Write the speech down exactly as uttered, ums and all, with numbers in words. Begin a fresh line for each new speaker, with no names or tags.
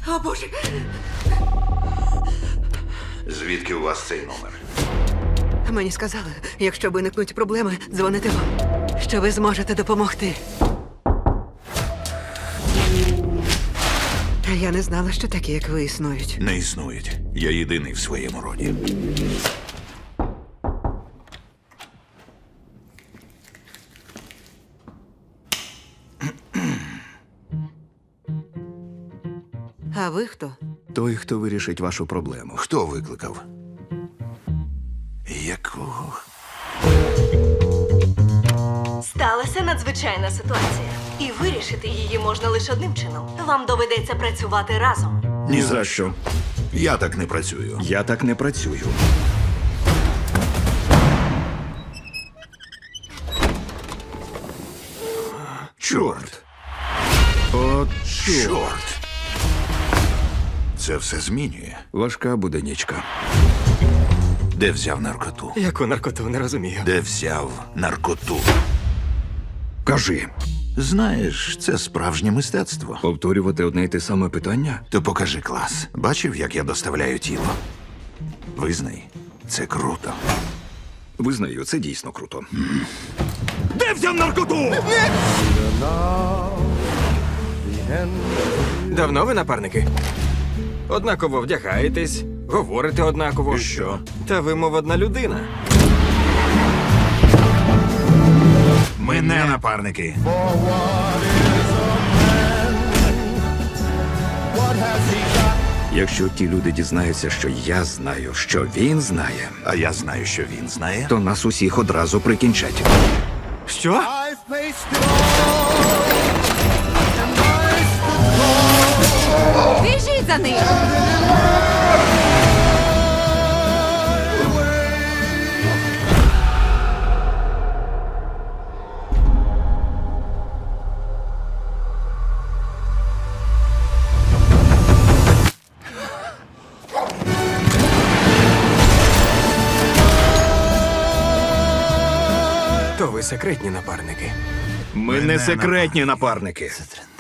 О, Боже!
Звідки у вас цей номер?
Мені сказали, якщо виникнуть проблеми, дзвоните вам, що ви зможете допомогти. Я не знала, що такі, як ви, існують.
Не існують. Я єдиний в своєму роді.
А ви хто?
Той, хто вирішить вашу проблему.
Хто викликав? Якого?
Сталася надзвичайна ситуація. І вирішити її можна лише одним чином. Вам доведеться працювати разом.
Ні за що.
Я так не працюю.
Я так не працюю.
Чорт!
От чорт.
Чорт! Це все змінює.
Важка буде нічка.
Де взяв наркоту?
Яку наркоту, не розумію.
Де взяв наркоту?
Кажи,
Знаєш, це справжнє мистецтво.
повторювати одне й те саме питання?
То покажи клас. Бачив, як я доставляю тіло? Визнай, це круто.
Визнаю, це дійсно круто. Де взяв наркоту?
Давно ви напарники? Однаково вдягаєтесь, говорите однаково.
І що?
Та ви, мов одна людина.
Ми не напарники.
Якщо ті люди дізнаються, що я знаю, що він знає,
А я знаю, що він знає.
то нас усіх одразу прикінчать.
Що?
Біжіть за ним!
То ви секретні напарники.
Ми
Ми
не
не
секретні напарники.
Це